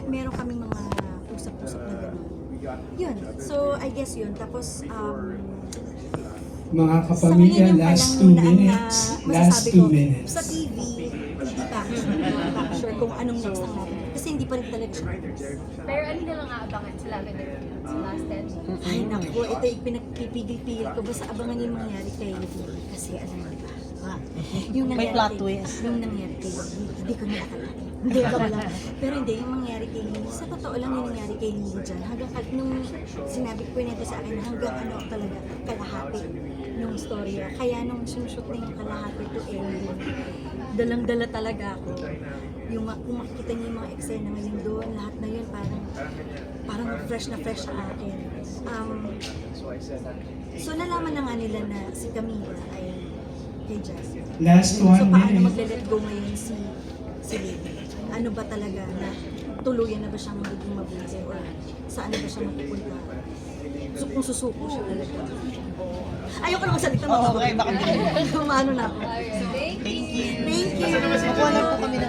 meron kaming mga usap-usap na gano'n. Yun. So, I guess yun. Tapos, Mga sa kapamilya, ngayon yung last palang 2 minutes. Last 2 minutes. Sa TV, hindi pa ako sure kung anong next ang natin. Kasi hindi pa rin talaga siya. Pero ano na lang aabangan sa Lavender Fields, last 10 minutes? Ay, naku, ito yung pinagpipigil-pigil ko. Basta abangan yung mangyari kay Lee. Kasi alam mo ba? Yung May nangyari plot kay- twist. Yung nangyari kay Lee, hindi ko nakakalain. Hindi ko wala. Pero hindi, yung mangyari kay Lee, sa totoo lang yung nangyari kay Lee dyan. Hanggang nung sinabi ko nito sa akin, hanggang ano talaga, kalahati nung storya. Kaya nung sinushoot na yung kalahati to ending, dalang-dala talaga ako. Yung kung makikita niyo yung mga eksena ngayon doon, lahat na yun parang fresh na fresh sa akin. So nalaman na nga nila na si Camila ay kay Jazz. Last So 1 paano minute. magle-let go ngayon si Lily? Ano ba talaga na tuluyan na ba siyang magiging mabuti or saan na ba siya mapupunta? So kung susuko siya talaga. Ayoko na magsalita. Okay, baka Kumano na ako. Alright, thank you! Thank you. Thank you. Makuha na po kami ng